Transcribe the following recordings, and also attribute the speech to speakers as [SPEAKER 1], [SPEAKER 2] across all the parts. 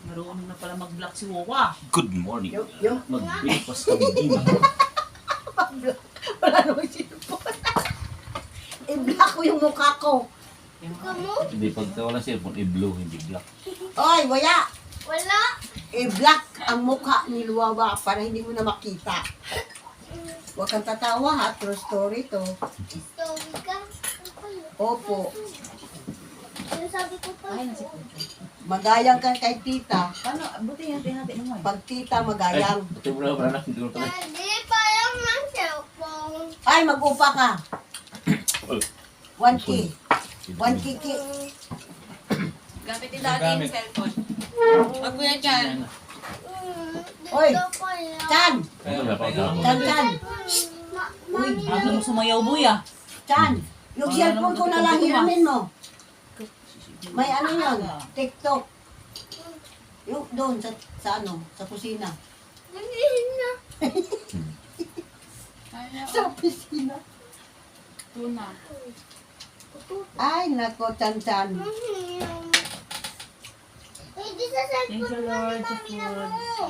[SPEAKER 1] Marunong na pala mag-block si Wawa.
[SPEAKER 2] Good morning.
[SPEAKER 3] Yung
[SPEAKER 2] Mag-breakfast kami din.
[SPEAKER 3] wala naman cellphone. I-block ko yung mukha ko.
[SPEAKER 2] Hindi, pagka walang cellphone, i-blue, hindi black.
[SPEAKER 3] Oy, wala.
[SPEAKER 4] Wala.
[SPEAKER 3] I-block ang mukha ni Luwawa para hindi mo na makita. Huwag kang tatawa ha, true story to.
[SPEAKER 4] Story ka.
[SPEAKER 3] Opo,
[SPEAKER 4] Yung sabi ko pa.
[SPEAKER 1] Ay, nasipunta.
[SPEAKER 3] magayang ka kay tita.
[SPEAKER 1] Paano? Buti yan, natin naman.
[SPEAKER 3] Pag tita, magayang.
[SPEAKER 2] Ito mo na para na, hindi ko na
[SPEAKER 4] Daddy, parang ng cellphone.
[SPEAKER 3] Ay, mag-upa ka. 1K. 1K.
[SPEAKER 1] Gamitin natin yung cellphone. Wag mo yan dyan.
[SPEAKER 3] Oy,
[SPEAKER 4] Dito pala.
[SPEAKER 3] Chan!
[SPEAKER 2] Ito na, pagka.
[SPEAKER 3] Chan! Uy,
[SPEAKER 1] Ano mo sumayaw, buya?
[SPEAKER 3] Chan! Yung cellphone ko na lang hiramin mo. May ano yun? TikTok. Yung doon sa ano, sa kusina.
[SPEAKER 4] Hindi na.
[SPEAKER 3] Sa kusina.
[SPEAKER 1] Tuna.
[SPEAKER 3] Ay, nako, Chan.
[SPEAKER 4] Hindi sa
[SPEAKER 1] Thank you,
[SPEAKER 4] cellphone
[SPEAKER 1] Lord, sa
[SPEAKER 4] mami na
[SPEAKER 1] food.
[SPEAKER 4] mo.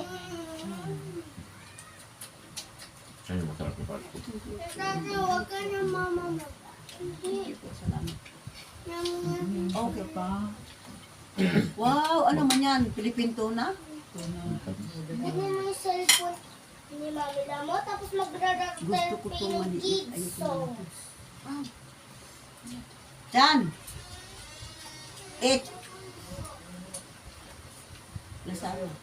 [SPEAKER 2] Ayun, masarap yung part ko.
[SPEAKER 4] Daddy, huwag ka na mama mo. Hindi.
[SPEAKER 1] Salamat.
[SPEAKER 3] Okay pa. Wow, ano man yan? Philippine tuna?
[SPEAKER 1] Tuna.
[SPEAKER 4] Hindi mo yung cellphone ni mami na mo, tapos magra-rock
[SPEAKER 3] Gusto ko itong
[SPEAKER 4] yung
[SPEAKER 3] maliit.
[SPEAKER 4] kids
[SPEAKER 3] Ayoko
[SPEAKER 4] song.
[SPEAKER 3] na. Chan! Eat! Nasaan na?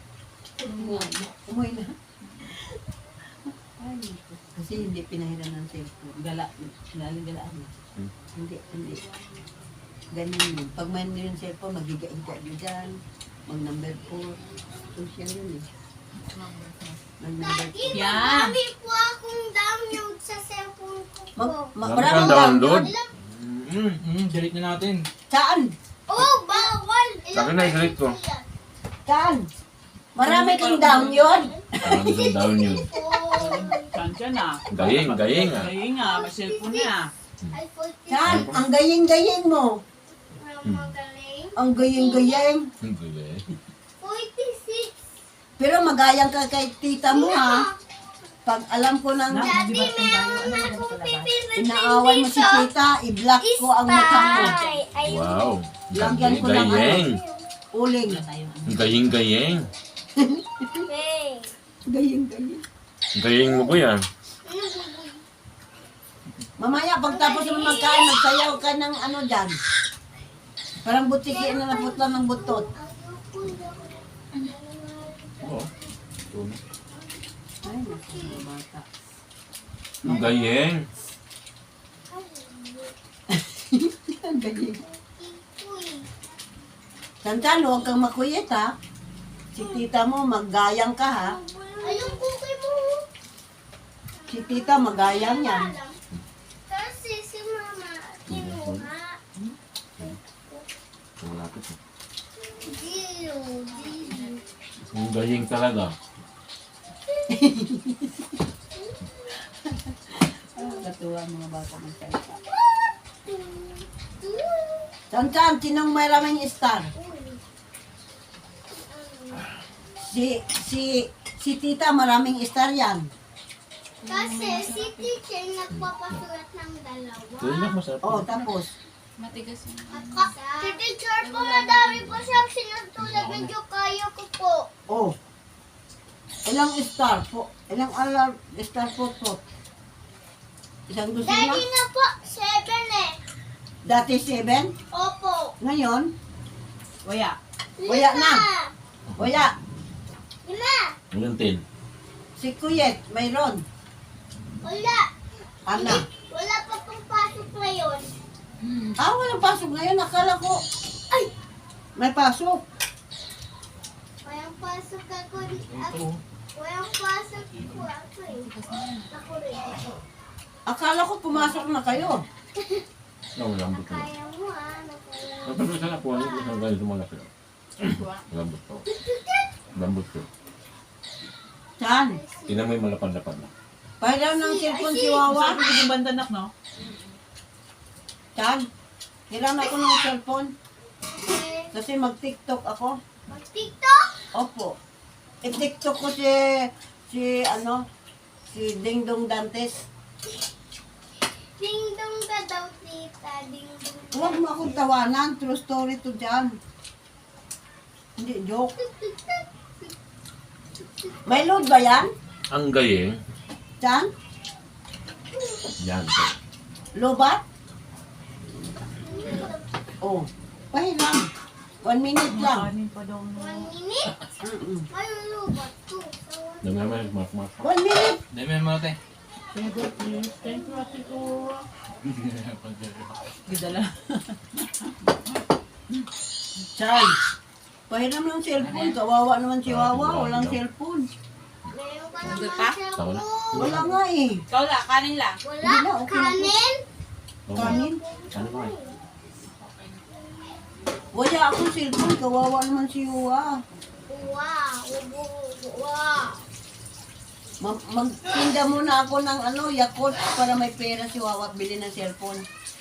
[SPEAKER 3] Umuwi na. Ay, naku. Kasi hindi pinahiran ng cellphone. Gala. Galaan na. Hindi. Ganyan yun. Pag may yung cellphone, magiga-higa nyo dyan. Mag-number 4. Social yun eh. Mag-number 4.
[SPEAKER 4] Daddy,
[SPEAKER 1] Yan.
[SPEAKER 4] marami po akong download sa cellphone ko po.
[SPEAKER 3] Maraming
[SPEAKER 2] download.
[SPEAKER 5] Delete na natin.
[SPEAKER 3] Saan?
[SPEAKER 4] Oh, bawal!
[SPEAKER 2] Sabi na, i-delete ko.
[SPEAKER 3] Saan? Marami kang down yun.
[SPEAKER 2] Parang isang down yun.
[SPEAKER 1] Kansya na.
[SPEAKER 2] Gayeng ah.
[SPEAKER 1] Gayeng nga, may cellphone na.
[SPEAKER 4] Ay, 46.
[SPEAKER 3] Saan? Ang gayeng-gayeng mo.
[SPEAKER 4] Magaling.
[SPEAKER 3] Ang gayeng-gayeng.
[SPEAKER 2] Hindi eh.
[SPEAKER 4] 46.
[SPEAKER 3] Pero magayang ka kay tita mo ha. Pag alam ko ng
[SPEAKER 4] Daddy, meron akong pipili.
[SPEAKER 3] inaaway mo si tita, i-block ko ang mukha mo.
[SPEAKER 2] Wow.
[SPEAKER 3] Lagyan ko ng
[SPEAKER 2] Gayeng.
[SPEAKER 3] Uling.
[SPEAKER 1] Wala tayo.
[SPEAKER 2] Gayeng.
[SPEAKER 4] Hey.
[SPEAKER 3] Gayeng-gayeng.
[SPEAKER 2] Gayeng mo ko yan.
[SPEAKER 3] Mamaya, pagtapos mo magkain, magsayaw ka ng ano dyan. Parang butiki na naputla ng butot.
[SPEAKER 2] Oo.
[SPEAKER 3] Ay, naku, mga bata.
[SPEAKER 2] Gayeng.
[SPEAKER 3] Ang gayeng. Tantan, huwag kang makuyit ha. Si tita mo, maggayang ka ha.
[SPEAKER 4] Ayong cookie mo.
[SPEAKER 3] Si tita, magayang yan.
[SPEAKER 4] Kasi si mama, kinuha.
[SPEAKER 2] Malapit eh.
[SPEAKER 4] Zero.
[SPEAKER 2] Ang gayeng talaga.
[SPEAKER 3] Katuwa mga bata ng salita. Tantan, sinong may raming star? Si tita, maraming star yan.
[SPEAKER 4] Kasi si teacher nagpapasulat ng dalawa.
[SPEAKER 2] Gayeng masarap.
[SPEAKER 3] Oh, tapos.
[SPEAKER 1] Matigas yun.
[SPEAKER 4] Si teacher po, madami po siyang sinutulad. Medyo kaya ko po.
[SPEAKER 3] Oh. Ilang star po? Ilang star po? Isang dosina?
[SPEAKER 4] Daddy na po, 7 eh.
[SPEAKER 3] Dati 7?
[SPEAKER 4] Opo.
[SPEAKER 3] Ngayon?
[SPEAKER 1] Waya.
[SPEAKER 3] Wala na. Wala.
[SPEAKER 4] 5.
[SPEAKER 2] Hanggang 10.
[SPEAKER 3] Si Kuyet, mayroon.
[SPEAKER 4] Wala.
[SPEAKER 3] Ana.
[SPEAKER 4] Wala pa pong pasok ngayon.
[SPEAKER 3] Ah, walang pasok ngayon. Akala ko.
[SPEAKER 4] Ay!
[SPEAKER 3] May pasok.
[SPEAKER 4] Walang pasok ako. Walang pasok ko ako eh. Ako rin.
[SPEAKER 3] Akala ko pumasok na kayo.
[SPEAKER 2] Lambot na.
[SPEAKER 4] Kaya mo ah. Nakaya.
[SPEAKER 2] Ang pagkakita na po, ano yung ganito malaki. Lambot po. Lambot po.
[SPEAKER 3] Saan?
[SPEAKER 2] Tingnan mo yung malapad-lapad na.
[SPEAKER 3] Pahiram ng cellphone si Wawa.
[SPEAKER 1] Sabi ko yung bandanak, no?
[SPEAKER 3] Saan? Hiram ako ng cellphone.
[SPEAKER 4] Eh,
[SPEAKER 3] Kasi mag-TikTok ako.
[SPEAKER 4] Mag-tiktok?
[SPEAKER 3] Opo. I-TikTok ko si Ding Dong Dantes.
[SPEAKER 4] Ding-dong ka daw, tita. Ding-dong.
[SPEAKER 3] Huwag mo akong tawanan. True story to dyan. Hindi, joke. May load ba yan?
[SPEAKER 2] Ang gayeng.
[SPEAKER 3] Dyan?
[SPEAKER 2] Yan.
[SPEAKER 3] Lobat? Oh. Pahiram. 1 minute lang.
[SPEAKER 1] Kanin pa daw na.
[SPEAKER 4] 1 minute? Ay, lubat to.
[SPEAKER 2] Naman, mak.
[SPEAKER 3] 1 minute.
[SPEAKER 5] Dami mo natin.
[SPEAKER 1] Thank you, please. Thank you, Ate ko. Gidala.
[SPEAKER 3] Chay. Pahiram ng cellphone. Kawawa naman si Wawa. Walang cellphone.
[SPEAKER 4] Meron ka naman
[SPEAKER 1] Lubat pa?
[SPEAKER 4] cellphone.
[SPEAKER 3] Wala nga eh.
[SPEAKER 1] Ikaw la, kanin lang.
[SPEAKER 4] Wala?
[SPEAKER 3] Hindi na, okay na po.
[SPEAKER 4] Kanin?
[SPEAKER 3] Kanin.
[SPEAKER 2] Ano ba?
[SPEAKER 3] Wala akong cellphone. Kawawa naman si Wawa.
[SPEAKER 4] Wow. Wow.
[SPEAKER 3] Magtinda muna ako ng Yakult para may pera si Wawa at bili ng cellphone.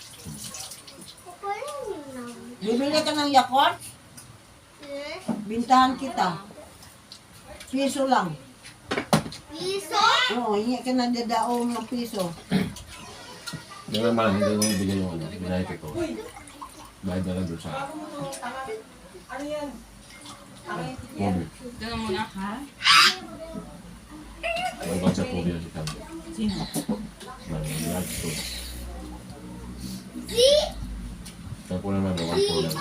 [SPEAKER 4] Kukunin lang.
[SPEAKER 3] Bibili ka ng Yakult?
[SPEAKER 4] Eh?
[SPEAKER 3] Bintahan kita. Piso lang.
[SPEAKER 4] Piso?
[SPEAKER 3] Oo, hingi ka ng dadaong ng piso.
[SPEAKER 2] Hindi naman, hindi naman bigyan yung binayad ko. Bayad na lang doon sa Kobe.
[SPEAKER 1] Doon muna. Ha?
[SPEAKER 2] Bayad sa Kobe na si Kambi.
[SPEAKER 1] Sino?
[SPEAKER 2] Bayad ko.
[SPEAKER 4] Z?
[SPEAKER 2] Kaya po naman, bayad ko lang.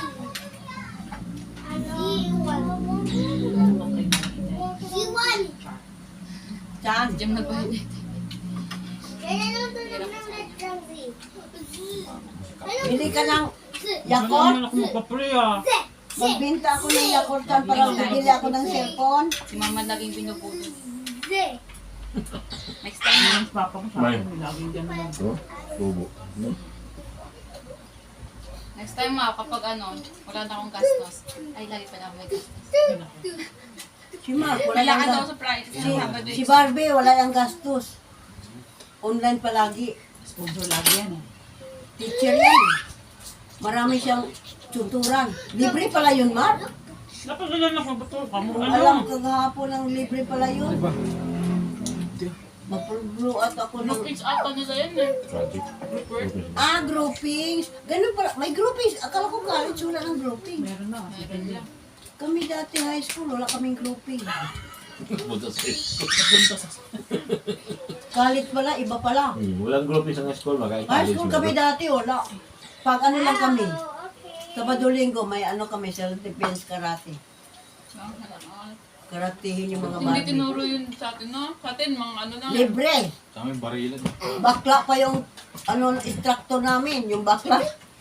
[SPEAKER 4] Z1.
[SPEAKER 3] Saan?
[SPEAKER 1] Diyan nagbayad.
[SPEAKER 4] Kaya nang tulog ng letrang Z.
[SPEAKER 3] Bili ka ng
[SPEAKER 4] Z.
[SPEAKER 3] Yakult?
[SPEAKER 1] Ako magpa-pray ah.
[SPEAKER 4] Z.
[SPEAKER 3] Magbinta ako ng Yakultan para bibili ako ng cellphone.
[SPEAKER 1] Si mama laging pinupulot.
[SPEAKER 4] Z.
[SPEAKER 1] Next time na. Mas papa ko sa
[SPEAKER 2] May.
[SPEAKER 1] akin. Laging ganun.
[SPEAKER 2] Ito, tubo.
[SPEAKER 6] Next time ma, kapag wala na akong gastos. Ay, lagi pa na ako may gastos.
[SPEAKER 3] Si Mark, wala
[SPEAKER 6] Wala ka
[SPEAKER 3] yung
[SPEAKER 6] daw
[SPEAKER 3] gastos.
[SPEAKER 6] sa Friday, sa Sabado.
[SPEAKER 3] Si Barbie, wala yung gastos. Online palagi.
[SPEAKER 1] Sponsor lagi yan eh.
[SPEAKER 3] Teacher yan. Marami siyang tuturan. Libre pala yun, Mark.
[SPEAKER 1] Dapat ganyan ako. Ba't ka mo?
[SPEAKER 3] Alam ko kahapon ng libre pala yun. Mag-blow out ako ng...
[SPEAKER 6] Groupings ata nila yan eh.
[SPEAKER 2] Project.
[SPEAKER 3] groupings. Ganun pala. May groupings. Akala ko college wala ng grouping.
[SPEAKER 1] Meron na. Second year.
[SPEAKER 3] Kami dati high school, wala kaming grouping.
[SPEAKER 2] Punta sa school.
[SPEAKER 3] College pala, iba pala.
[SPEAKER 2] Walang group isang school,
[SPEAKER 3] High
[SPEAKER 2] makain
[SPEAKER 3] school kami dati, wala. Pag lang kami. Sabado linggo, may kami, self-defense karate. Karatehin yung mga
[SPEAKER 6] Hindi
[SPEAKER 3] Barbie.
[SPEAKER 6] tinuro yun sa atin, no? Sa atin, mga lang.
[SPEAKER 3] Libre.
[SPEAKER 5] Sa amin, barilan.
[SPEAKER 3] Bakla pa yung instructor namin, yung bakla.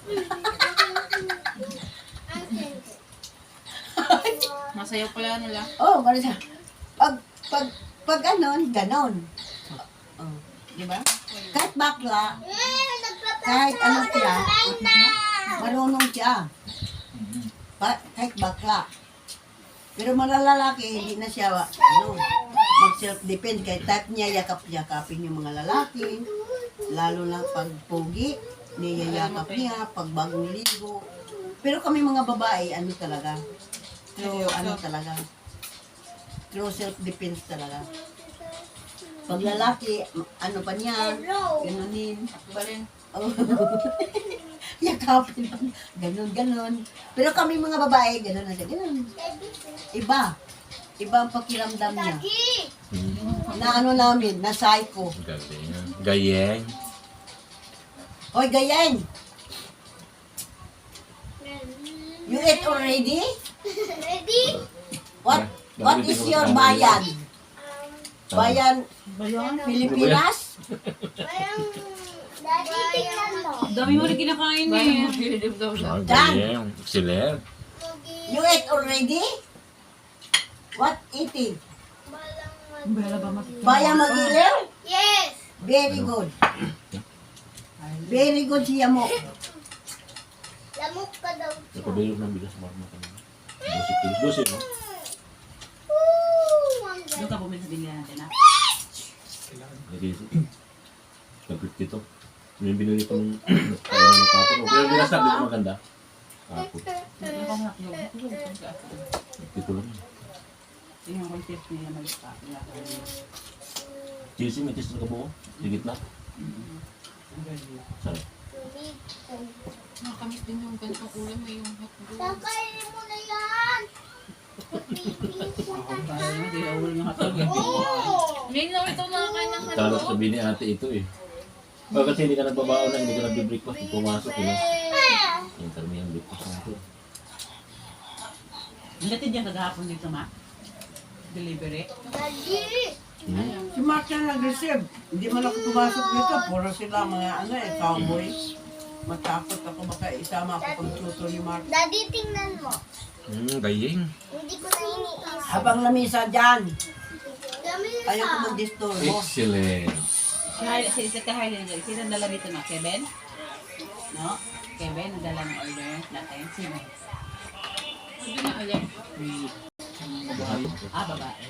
[SPEAKER 6] Masayaw pala nila.
[SPEAKER 3] Oh, gano'n siya. Pag ganon. Oh, di ba? Kahit bakla, kahit ano siya, marunong siya. Kahit bakla. Pero mga lalaki, hindi na siya, mag-self-defend. Kahit type niya, yakap-yakapin yung mga lalaki. Lalo na pag pogi, niyayakap niya, pag bagong ligo. Pero kami mga babae, talaga. Talaga. True self-defense talaga. Pag lalaki, pa niya, ganunin.
[SPEAKER 6] Balin.
[SPEAKER 3] Oh. Yakapin. Ganon. Pero kami mga babae, ganon na siya. Ganon. Iba. Iba ang pakiramdam niya. Na namin, na psycho.
[SPEAKER 2] Gayeng.
[SPEAKER 3] Hoy, gayen! You ate already?
[SPEAKER 4] Ready?
[SPEAKER 3] What is your bayan? Bayan
[SPEAKER 1] Bayan.
[SPEAKER 3] Pilipinas?
[SPEAKER 4] Parang, daddy, tingnan mo.
[SPEAKER 1] Dami mo rin kinakain
[SPEAKER 6] Bayan
[SPEAKER 1] eh.
[SPEAKER 6] mo, bilib daw siya.
[SPEAKER 2] Gayeng. Excellent.
[SPEAKER 3] You ate already? What eating?
[SPEAKER 1] Bala ba mas...
[SPEAKER 3] Bayan Magilaw?
[SPEAKER 4] Yes.
[SPEAKER 3] Very good. Very good siya mo.
[SPEAKER 4] Lamok ka daw.
[SPEAKER 2] Nakabilog ng bigas marma kanina. 12 kilos. 12, no?
[SPEAKER 4] Ang
[SPEAKER 1] Doon ka bumili sa binili natin ah.
[SPEAKER 2] Nag-50 to. Yung binili ko nung kainan ng kapon. Pero bigas na, hindi ko maganda. Kapon. Ito lang.
[SPEAKER 1] Yung concept niya malita.
[SPEAKER 2] Cheesy, may cheese na kabuo. Higit na. Sarap.
[SPEAKER 6] Nakakamiss din yung ganitong ulam. May yung hotdog.
[SPEAKER 4] Kakainin mo na yan.
[SPEAKER 1] Hindi na ulo ng hatag.
[SPEAKER 4] Oo.
[SPEAKER 6] Ngayon na ito nakakain ng
[SPEAKER 2] Talo
[SPEAKER 6] hotdog.
[SPEAKER 2] sabi ni ate ito eh. Bakit hindi ka nagbabaon na, hindi ka nagbe-breakfast, pumasok eh. Yung karamihan breakfast na ito.
[SPEAKER 1] Ang gatid yan kagahapon dito, ma. Delivery.
[SPEAKER 4] Dali.
[SPEAKER 3] Si Mark na nag-receive. Hindi man ako pumasok dito. Puro sila mga cowboy. Matakot ako baka isama ako pag tuto ni Mark.
[SPEAKER 4] Daddy, tingnan mo.
[SPEAKER 5] Gayeng.
[SPEAKER 4] Hindi ko na iniisip.
[SPEAKER 3] Habang lamisa dyan,
[SPEAKER 4] Gamit
[SPEAKER 3] ayaw ko mag-disturbo.
[SPEAKER 2] Excellent.
[SPEAKER 1] Si Harley, sino ang dala dito na? Kevin? No? Kevin, ang dala ng order natin. Sino?
[SPEAKER 6] Hindi na ulit.
[SPEAKER 1] Babae.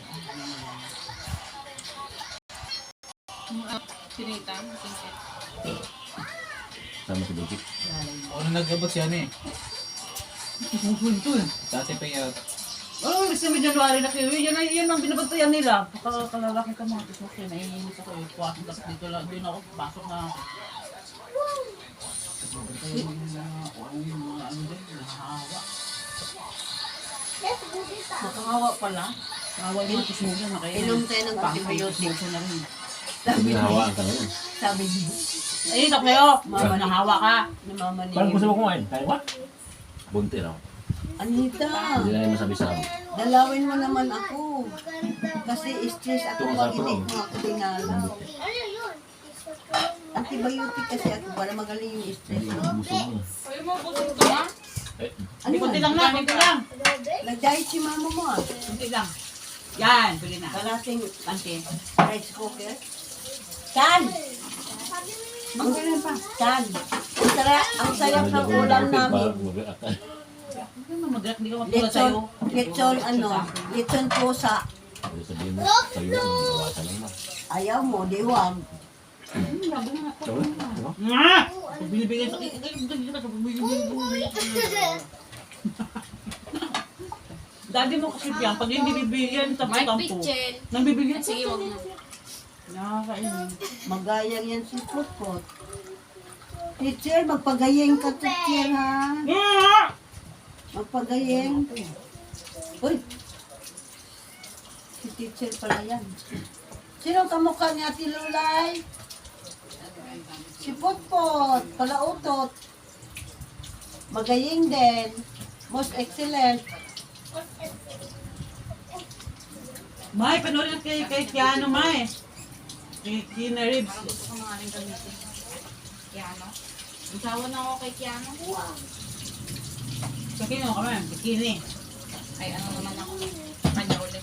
[SPEAKER 6] Sinita. Sinita.
[SPEAKER 2] Sama si Bukit.
[SPEAKER 5] Ako na nag-abot siya eh.
[SPEAKER 1] Punto eh.
[SPEAKER 5] Dati pa yung
[SPEAKER 1] Oh, gusto mo January na kayo. Yan ang binabantayan nila. Kalalaki ka mga kismak yun. Naiinis ako eh. Kuwasin kasi dito lang. Doon ako. Pasok na ako. Kaya yung mga ano din. Nakahawa.
[SPEAKER 4] Let's go dito.
[SPEAKER 1] Nakahawa pala. Nakahawa yung mga kismak yun.
[SPEAKER 3] Inom tayo ng antibiotic.
[SPEAKER 1] na rin.
[SPEAKER 2] Sabi na hawaan ka ngayon.
[SPEAKER 3] Sabi niya,
[SPEAKER 1] Ay, ito kayo. Mama, nahawa ka.
[SPEAKER 3] ni Mama
[SPEAKER 2] Parang gusto
[SPEAKER 3] ni
[SPEAKER 2] mo kumain. Kaya ba? Bunti raw.
[SPEAKER 3] Anita,
[SPEAKER 2] Hindi na yung masabi sa amin.
[SPEAKER 3] dalawin mo naman ako. Kasi stress ako
[SPEAKER 2] Tungo
[SPEAKER 3] pag
[SPEAKER 2] sa
[SPEAKER 3] hindi
[SPEAKER 2] tungo.
[SPEAKER 3] mo ako dinala.
[SPEAKER 4] Ano yun?
[SPEAKER 3] Antibiotic kasi ako para magaling yung stress mo.
[SPEAKER 2] Gusto mo.
[SPEAKER 6] Pwede mo busog ka ma?
[SPEAKER 2] Eh,
[SPEAKER 3] Ano
[SPEAKER 1] Kunti
[SPEAKER 3] yan?
[SPEAKER 1] lang na, kunti lang.
[SPEAKER 3] Nag-diet si mama mo ah.
[SPEAKER 1] Kunti lang. Yan, pwede na.
[SPEAKER 3] Kalating
[SPEAKER 1] Panty.
[SPEAKER 3] rice cooker. Tan!
[SPEAKER 1] Magkailan pa.
[SPEAKER 3] Tan! Ang sarap ng ulam namin.
[SPEAKER 2] Mag-react ka.
[SPEAKER 1] Ano mag-react? Hindi ka matulad sa'yo.
[SPEAKER 3] Lechon pusa.
[SPEAKER 2] Ano sabihin mo? Sa'yo, nawasan lang na.
[SPEAKER 3] Ayaw mo, diwag.
[SPEAKER 1] Grabe na ako.
[SPEAKER 2] Sabi, ano?
[SPEAKER 1] Nga! Pag binibigyan sa... Daddy mo kasi yan, pag hindi bibigyan,
[SPEAKER 6] Mike
[SPEAKER 1] tampo-tampo.
[SPEAKER 6] Pichel.
[SPEAKER 1] Nang bibigyan,
[SPEAKER 6] Sige, wag na.
[SPEAKER 1] Nakakainin.
[SPEAKER 3] Magayang yan si Putput. Teacher, magpagayeng ka, teacher, ha? Magpagayeng. Uy! Si teacher pala yan. Sino ang kamukha ni Ate Lulay? Si Putput, palautot. Magayeng din. Most excellent.
[SPEAKER 1] May, panoorin kay Keanu, May. Kay Keanu Reeves.
[SPEAKER 6] Gusto ko nga rin gamitin. Kiano. Isawa na ako kay Kiano.
[SPEAKER 1] Sa Keanu kami, bikini.
[SPEAKER 6] Ay, ano naman ako. Kanya ulit.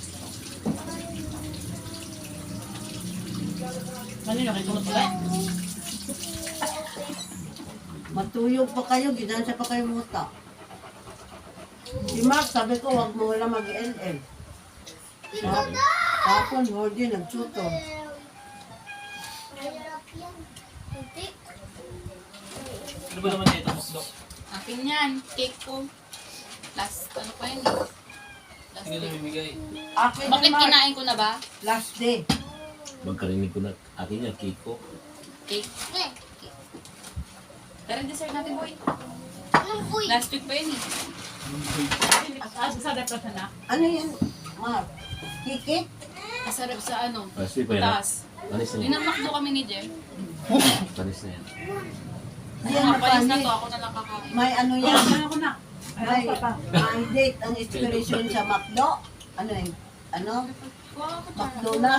[SPEAKER 1] Kanino, kay Kulot ulit?
[SPEAKER 3] Matuyog pa kayo, gidansa pa kayo muta. Si Mark, sabi ko, wag mo wala mag-LL. Tapon, Jordi, nagsuto.
[SPEAKER 4] Mahirap yan. Hindi.
[SPEAKER 5] Ano ba naman ito, Dok?
[SPEAKER 6] Akin yan. Cake ko. Last, ano pa yun eh. Last
[SPEAKER 5] Sige na
[SPEAKER 6] day.
[SPEAKER 5] bibigay.
[SPEAKER 3] Akin
[SPEAKER 6] Bakit
[SPEAKER 3] si Mark,
[SPEAKER 6] kinain ko na ba?
[SPEAKER 3] last day.
[SPEAKER 2] Magkarinig ko na. Akin yan, cake ko.
[SPEAKER 6] Cake.
[SPEAKER 4] Eh,
[SPEAKER 6] Pero dessert natin, boy.
[SPEAKER 4] anong uy?
[SPEAKER 6] Last week pa yun eh.
[SPEAKER 1] Sa depression na.
[SPEAKER 3] Ano yan, Mark? Kikit?
[SPEAKER 6] Masarap sa ano.
[SPEAKER 2] Last week pa yan.
[SPEAKER 6] Taas.
[SPEAKER 2] Panis na yan.
[SPEAKER 6] Dinamakdo kami ni Jem.
[SPEAKER 2] Panis na yan.
[SPEAKER 3] Yan,
[SPEAKER 6] Ang palis na
[SPEAKER 3] mapanis.
[SPEAKER 6] to, ako na lang kakain.
[SPEAKER 3] May ano yan,
[SPEAKER 1] Ano ko na?
[SPEAKER 3] may, may date ang expiration sa McDo. Ano yun? Ano?
[SPEAKER 6] Wow, ko
[SPEAKER 3] McDonald.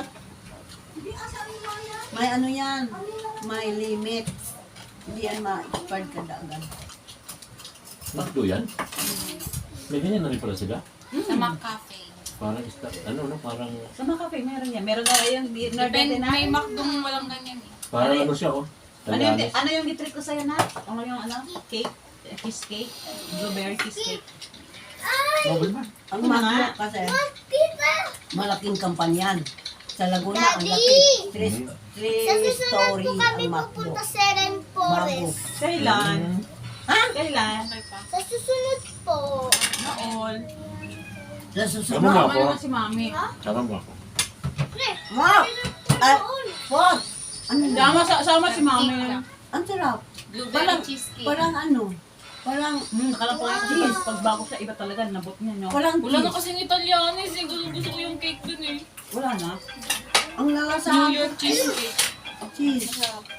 [SPEAKER 3] May ano yan, may limit. Hindi yan ma-expired kada agad.
[SPEAKER 2] Bakdo yan? May ganyan na rin pala sila.
[SPEAKER 6] Sa McCafe.
[SPEAKER 2] Parang parang...
[SPEAKER 1] Sa mga cafe, meron yan. Meron na yung
[SPEAKER 6] Depende, may McDong walang ganyan eh.
[SPEAKER 2] Parang ano siya, oh. Tagalog.
[SPEAKER 1] Ano yung nitrick ko sa'yo na? Ano yung cake? Cheesecake? Blueberry cheesecake?
[SPEAKER 2] Mobile ba?
[SPEAKER 3] Ang
[SPEAKER 1] Ano
[SPEAKER 3] McDo
[SPEAKER 1] nga?
[SPEAKER 3] kasi
[SPEAKER 4] Kita!
[SPEAKER 3] malaking kampanyan. Sa Laguna, ang
[SPEAKER 4] Daddy!
[SPEAKER 3] laki. Three
[SPEAKER 4] Sa susunod
[SPEAKER 3] story
[SPEAKER 4] po kami
[SPEAKER 3] ang McDo.
[SPEAKER 4] pupunta sa Ren
[SPEAKER 3] Bago.
[SPEAKER 4] Forest.
[SPEAKER 1] Kailan?
[SPEAKER 3] Ha?
[SPEAKER 1] Kailan?
[SPEAKER 6] Okay pa.
[SPEAKER 4] Sa susunod po.
[SPEAKER 1] Na all.
[SPEAKER 3] Sa
[SPEAKER 2] Tama
[SPEAKER 3] susunod.
[SPEAKER 2] nga
[SPEAKER 1] Tama
[SPEAKER 2] ako.
[SPEAKER 1] naman si Mami.
[SPEAKER 2] Tama nga ako.
[SPEAKER 3] Wow! Ay, what? Ano na?
[SPEAKER 1] Sama si Mami.
[SPEAKER 3] Ang sarap.
[SPEAKER 6] Blueberry
[SPEAKER 3] Parang,
[SPEAKER 6] cheesecake.
[SPEAKER 3] parang ano? Parang,
[SPEAKER 1] Nakalapang kasi pag bago siya, iba talaga, nabot niya, no?
[SPEAKER 3] parang
[SPEAKER 6] Wala na
[SPEAKER 3] cheese.
[SPEAKER 6] kasing Italianis eh. Gusto ko yung cake dun eh.
[SPEAKER 1] Wala na.
[SPEAKER 3] Ang lalasa.
[SPEAKER 6] New York cheesecake.
[SPEAKER 3] Cheese.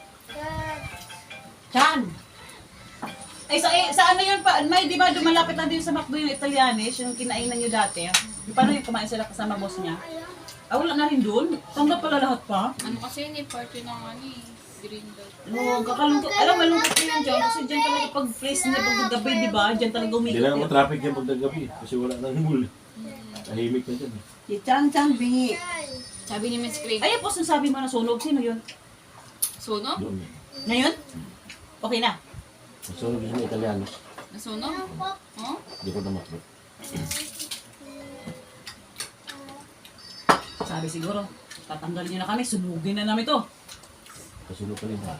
[SPEAKER 3] Chan.
[SPEAKER 1] Ay, sa ano yun pa? May, di ba, dumalapit na din sa McDo yung Italianis, yung kinainan nyo dati. Paano yung kumain sila kasama boss niya? Ah, wala na rin doon? Tanggap pala lahat pa?
[SPEAKER 6] Ano kasi yun eh, party ng ano eh. Green dot.
[SPEAKER 1] No, kakalungkot. Alam, malungkot ko yun dyan. Kasi dyan talaga pag place niya, pag gabi, di ba? Dyan talaga
[SPEAKER 2] Hindi
[SPEAKER 1] umikot.
[SPEAKER 2] na naman traffic yan pagdagabi kasi wala nang mall. Tahimik na dyan.
[SPEAKER 3] Si Chan Chan bingi.
[SPEAKER 6] Sabi ni Miss Craig.
[SPEAKER 1] Ay, boss, ang sabi mo na sunog. Sino yun?
[SPEAKER 6] Sunog?
[SPEAKER 2] Doon.
[SPEAKER 1] Ngayon? Okay na.
[SPEAKER 2] Masunod yung Italiano.
[SPEAKER 6] Nasunog? Oh?
[SPEAKER 2] Hindi ko na makro.
[SPEAKER 1] Sabi siguro, tatanggalin nyo na kami, sunugin na namin to.
[SPEAKER 2] Kasunod pa rin ha.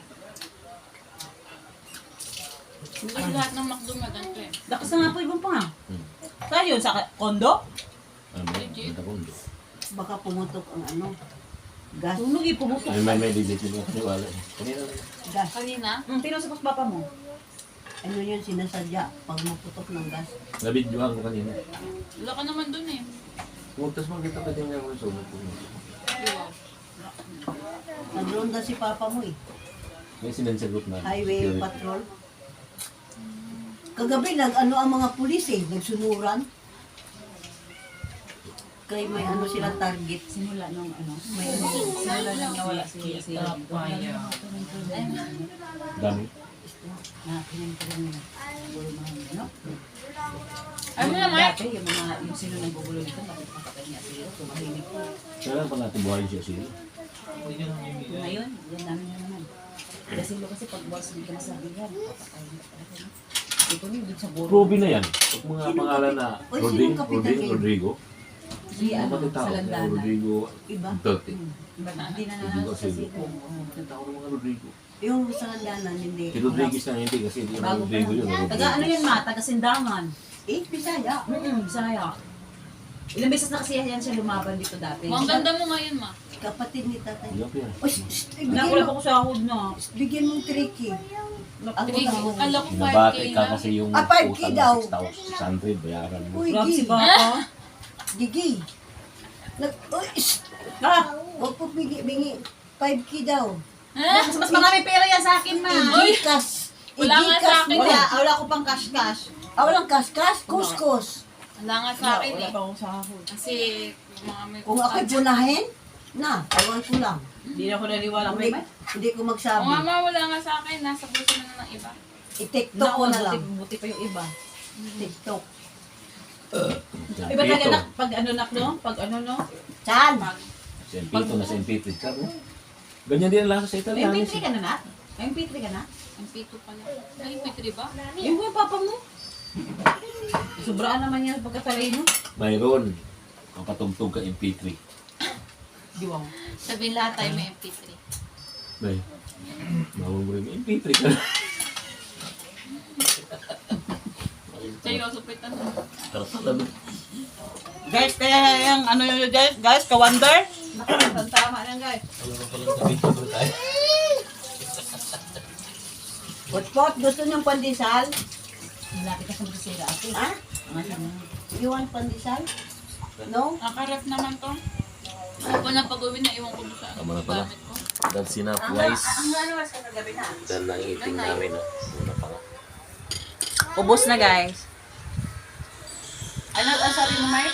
[SPEAKER 6] Kasi lahat ng McDo na ganito eh.
[SPEAKER 1] Lakas na nga po ibang pa nga. Saan yun? Sa kondo?
[SPEAKER 2] Ano ba? Punta ko hindi.
[SPEAKER 3] Baka pumutok ang ano. Gas.
[SPEAKER 1] Sunog eh, pumutok.
[SPEAKER 2] May digit yun kasi wala. Kanina lang.
[SPEAKER 3] Gas.
[SPEAKER 6] Kanina?
[SPEAKER 1] Pinasapos papa mo.
[SPEAKER 3] Ano yun sinasadya pag maputok ng gas.
[SPEAKER 2] Nabidyohan ko kanina.
[SPEAKER 6] Wala ka naman dun eh.
[SPEAKER 2] Kumagtas mo kita pwede nga ako yung sunod ko.
[SPEAKER 6] Wow.
[SPEAKER 3] Nagronda si Papa mo eh.
[SPEAKER 2] May sinensagot na.
[SPEAKER 3] Highway
[SPEAKER 2] Security.
[SPEAKER 3] patrol. Kagabi nag-ano ang mga pulis eh. Nagsunuran. Kaya may ano sila target.
[SPEAKER 1] Simula nung ano.
[SPEAKER 3] May ano.
[SPEAKER 1] Simula nung nawala si
[SPEAKER 2] Dami.
[SPEAKER 1] na pinagkaroon nila. Siguro mga ano.
[SPEAKER 6] Ano
[SPEAKER 1] Yung
[SPEAKER 6] naman?
[SPEAKER 1] Dati, yung sino nagbubulo nito, bakit makatay niya sila, tumahimik ko.
[SPEAKER 2] Kailan pa natin buhayin siya sila?
[SPEAKER 1] Ngayon, yan namin na naman. Kasi kasi pag boss, hindi ka nasabi yan, papatay niya talaga. No? Ito niyo, dun sa buro.
[SPEAKER 2] Ruby na yan. Pag mga pangalan na
[SPEAKER 3] Oy,
[SPEAKER 2] Roding,
[SPEAKER 3] sinong kapitan
[SPEAKER 2] Roding,
[SPEAKER 3] kayo?
[SPEAKER 2] Rodrigo.
[SPEAKER 1] Si ano,
[SPEAKER 2] Kapatid tao,
[SPEAKER 1] sa landanan.
[SPEAKER 2] Rodrigo
[SPEAKER 3] Iba.
[SPEAKER 2] Duterte.
[SPEAKER 1] Iba na, hindi na
[SPEAKER 2] Rodrigo
[SPEAKER 1] nanalo sa
[SPEAKER 2] Silva.
[SPEAKER 1] siko.
[SPEAKER 2] Kapatid tao ng mga Rodrigo.
[SPEAKER 3] Yung sa landanan, hindi.
[SPEAKER 2] Si Rodriguez na hindi kasi hindi
[SPEAKER 1] Bago pa
[SPEAKER 2] Rodrigo yun.
[SPEAKER 1] lang. Taga ano yun ma, taga Sindangan.
[SPEAKER 3] Bisaya.
[SPEAKER 1] Bisaya. Ilang beses na kasi yan siya lumaban dito dati.
[SPEAKER 6] Ang ganda mo ngayon ma.
[SPEAKER 3] Kapatid ni tatay.
[SPEAKER 2] Hindi yan.
[SPEAKER 3] Oy,
[SPEAKER 1] Nakulap ako sa ahod na.
[SPEAKER 3] bigyan mong tricky. Ako
[SPEAKER 6] Trick.
[SPEAKER 3] na.
[SPEAKER 6] Kala ko 5K
[SPEAKER 2] Binabati ka
[SPEAKER 6] na.
[SPEAKER 2] kasi yung
[SPEAKER 3] 5K
[SPEAKER 2] utang
[SPEAKER 3] daw.
[SPEAKER 2] na 6,600 bayaran mo.
[SPEAKER 3] Uy,
[SPEAKER 1] Grabe si
[SPEAKER 3] Gi.
[SPEAKER 1] Papa.
[SPEAKER 3] Gigi. Uy,
[SPEAKER 1] Ah!
[SPEAKER 3] huwag po bingi. 5K daw.
[SPEAKER 1] Mas marami pera yan sa akin ma.
[SPEAKER 3] Igikas.
[SPEAKER 6] Wala nga sa akin
[SPEAKER 3] mo.
[SPEAKER 6] eh.
[SPEAKER 1] Wala ko pang cash.
[SPEAKER 3] Walang kaskas. Kuskus.
[SPEAKER 6] Wala nga sa akin
[SPEAKER 1] Wala
[SPEAKER 6] eh.
[SPEAKER 1] pa akong sahod.
[SPEAKER 6] Kasi mga may
[SPEAKER 3] Kung ako'y punahin, na, awan ko lang.
[SPEAKER 1] Hindi na ako naniwala
[SPEAKER 3] Hindi,
[SPEAKER 1] may
[SPEAKER 3] hindi ko
[SPEAKER 6] Oo
[SPEAKER 3] magsabi.
[SPEAKER 6] nga ma, wala nga sa akin. Nasa bulsa na ng iba.
[SPEAKER 3] I-tiktok ko na lang.
[SPEAKER 1] Buti pa yung iba.
[SPEAKER 3] TikTok.
[SPEAKER 1] Iba talaga nak, pag ano nak no? Pag ano no?
[SPEAKER 3] Chan!
[SPEAKER 2] Sa MP2 na sa MP3 ka no? Ganyan din ang lasa sa Italianis.
[SPEAKER 1] MP3 ka na na? MP3 ka na?
[SPEAKER 6] MP2 pala. Ay, MP3 ba?
[SPEAKER 1] Yung yung papa mo? Sobraan naman yan pagkatalay mo.
[SPEAKER 2] Mayroon. Ang patugtog ka MP3.
[SPEAKER 1] Diwang.
[SPEAKER 6] Sabihin lahat tayo may MP3.
[SPEAKER 2] Bay. Mawag mo rin MP3 ka.
[SPEAKER 6] Seryoso, pitan.
[SPEAKER 2] Tartala.
[SPEAKER 1] Guys, kaya yung ano yun guys, ka-wonder? Tama lang guys.
[SPEAKER 3] Pot-pot, gusto niyong pandesal?
[SPEAKER 1] Malapit ka sa magsisira ako.
[SPEAKER 3] Ha? You want pandesal? No?
[SPEAKER 6] Nakaref naman to. Ano ko na pag-uwi na iwan ko doon sa
[SPEAKER 2] Tama na pala.
[SPEAKER 6] gamit ko.
[SPEAKER 2] That's enough guys.
[SPEAKER 1] Ang ano mas kagabi na?
[SPEAKER 2] Dan lang eating namin. No? Una pa nga.
[SPEAKER 1] Ubos na guys. Ano ang sabi mo, Mike?